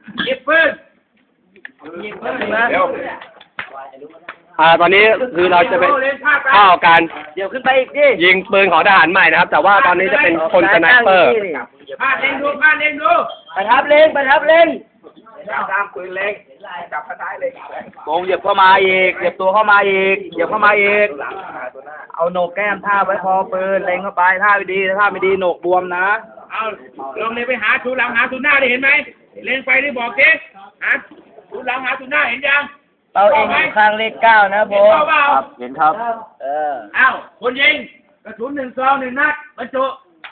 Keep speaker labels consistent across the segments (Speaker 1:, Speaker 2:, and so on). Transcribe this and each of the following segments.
Speaker 1: หยิบปืนหยิบปืนนะเดี๋ยว
Speaker 2: ตอนนี้คือเราจะเป็นเข้าการ
Speaker 3: เดี๋ยวขึ้นไปอีกดิ
Speaker 2: ยิงปืนของทหารใหม่นะครับ แต่ว่าตอนนี้จะเป็นคนสไนเปอร์
Speaker 1: พาเล็งดูพาเล็งดู
Speaker 3: ประทับเล็งประทับเล็ง
Speaker 1: ตามปืนเล็งจับกระต่ายเล็ง
Speaker 3: โกงเหยียบเข้ามาอีกเหยียบตัวเข้ามาอีกเหยียบเข้ามาอีกเอาโหนกแก้มท่าไว้พอปืนเล็งเข้าไปท่าไม่ดีท่าไม่ดีโหนกบวมนะ
Speaker 1: เอาลงเลยไปหาชูหลังหาชูหน้าได้เห็นไหมเล็งไปได้บอกเจ๊หาชูหลังหาชูหน้าเห็นยัง
Speaker 3: เราเองอยู่ข้างเลข9นะผม
Speaker 1: ครับ
Speaker 3: เห็นครับ
Speaker 1: อ้าวคนยิงกระสุน1 ซอง1 นัดบรรจุ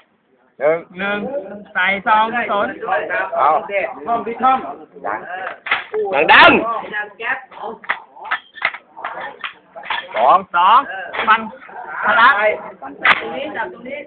Speaker 3: 1ใส่ซองสน
Speaker 1: เอาท่องที่ท่อง
Speaker 2: ดัง
Speaker 3: 2ฟันพลังตรงนี้จับตรงนี้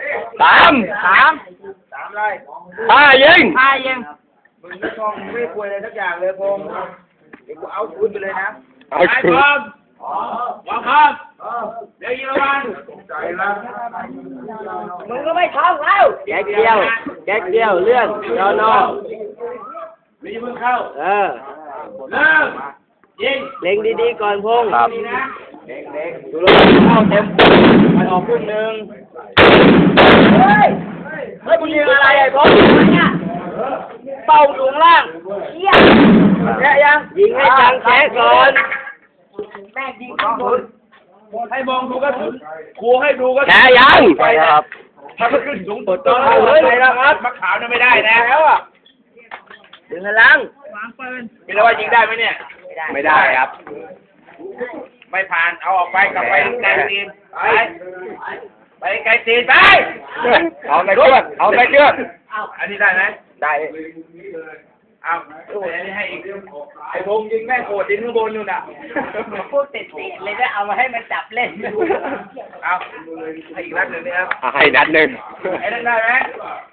Speaker 3: 3
Speaker 1: เลย
Speaker 2: ยิง
Speaker 1: มึงไม่ท่องไม่คุยอะไรสักอย่างเลยพงเดี๋ยวกูเอาคืนไปเลยนะ
Speaker 2: เอาคืน
Speaker 1: วางครับเดี๋ยวยิงระวังใจละ
Speaker 3: มึงก็ไม่ท่องแล้วแก๊กเดียวเลื่อนยอนอ
Speaker 1: มีมึงเข้า
Speaker 3: เ
Speaker 1: ริ่มยิง
Speaker 3: เล็งดีๆก่อนพง
Speaker 2: ครับ
Speaker 1: เล็ง
Speaker 3: ดูลงเข้าเต็มมันออกครึ่งนึงเฮ้ยมึงยิงอะไรไอ้พงเนี่ยเป่าสูงล่างเชี่ยแค่ยังยิงให้จังแค่ก่อนแม่ยิงข้างบน
Speaker 1: ให้มองดูกระสุนครูให้ดูกระสุน
Speaker 2: แค่ยัง
Speaker 1: ไปครับถ้ามันขึ้นสูงสุดต้องเอาเลยนะครับมะขาวน่ะไม่ได้นะแล้วอ่ะ
Speaker 3: ดึงกระลัง
Speaker 1: วางปืนคิดว่ายิงได้ไหมเนี่ย
Speaker 2: ไม่ได้ครับ
Speaker 1: ไม่ผ่านเอาออกไปกลับไปไกลตีนไปไกลตีนไป
Speaker 2: เอาไปเชือก
Speaker 1: อันนี้ได้ไหมได้เอาอันนี้ให้อีกไอ้พงยิงแม่โคตรยิงข้างบนอยู่น่ะ
Speaker 3: พูดติดเลยได้เอามาให้มันจับเล่น
Speaker 1: เอาให้อีกนัดหนึ่งนี่ครับ
Speaker 2: ให้นัดหนึ่ง
Speaker 1: ไอ้นั่นได้ไหม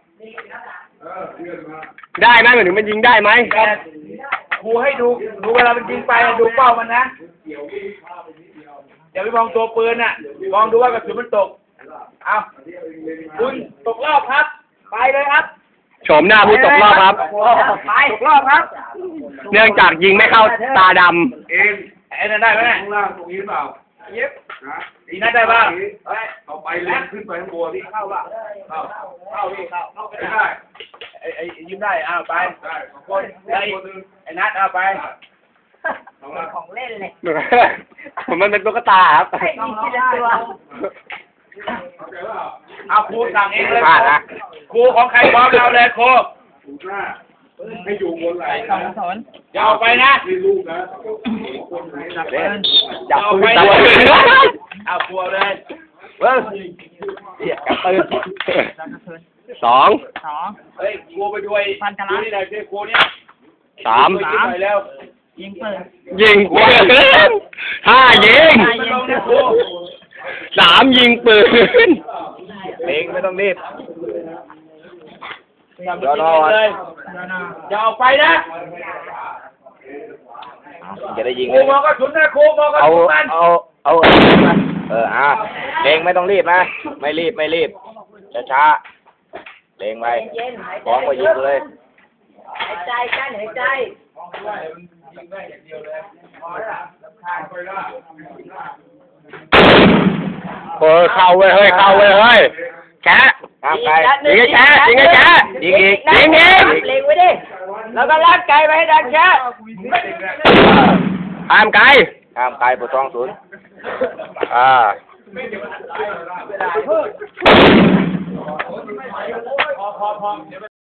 Speaker 2: ได้ไหมหมายถึงมันยิงได้ไหม
Speaker 1: ครูให้ดูเวลามันยิงไปดูเป้ามันนะอย่าไปมองตัวปืนน่ะมองดูว่ากระสุนมันตกเอาคุณตกรอบครับไปเลยครับ
Speaker 2: โฉมหน้าผู้ตกรอบครับ
Speaker 1: ไปตกรอบครับ
Speaker 2: เนื่องจากยิงไม่เข้าตาดำ
Speaker 1: เองไอ้นั่นได้ไหมข้างล่างตรงนี้เปล่าเย็บอีนั่นได้ป่ะต่อไปเล่นขึ้นไปข้างบนที่เข้าป่ะเข้าพี่เข้าไปได้ไอ้ยิ้มได้เอาไปได้คนไอ้นัดเอาไป
Speaker 3: ของเล่นเลย
Speaker 2: มันเป็นตุ๊กตาครับ
Speaker 1: เอาครูสั่งเองเลยครูของใครพร้อมเราเลยครูให้อยู่บนไหล
Speaker 3: สอน
Speaker 1: อย่าออกไปนะให้ลูกนะ
Speaker 2: อย่าไป
Speaker 1: เอาครัวเลย
Speaker 2: เสียกับปืน2
Speaker 1: เฮ้ยครูไปด้วยดูนี่หน่อยสิครูเนี่ย
Speaker 2: 3
Speaker 1: แล้ว
Speaker 3: ยิงปืน
Speaker 2: 5ยิง3ยิงปืน
Speaker 1: เล็งไม่ต้องรีบเดี๋ยวรอเลยอย่าออกไปนะ
Speaker 3: จะได้ยิง
Speaker 1: ครูมองกระสุนนะครูมองกระสุนมัน
Speaker 3: เอาเล็งไม่ต้องรีบนะไม่รีบช้าเล็งไปพร้อมก็ยิงเลยหายใจกันหายใจ
Speaker 2: เข้าเว้ยแกะยิงไอ้แกะยิงอีก
Speaker 3: เล็งไว้ดิแล้วก็ลากไก่ไปให้ดังแกะ
Speaker 2: ห้ามไกล
Speaker 3: ปวดท้องศูนย์
Speaker 1: พอ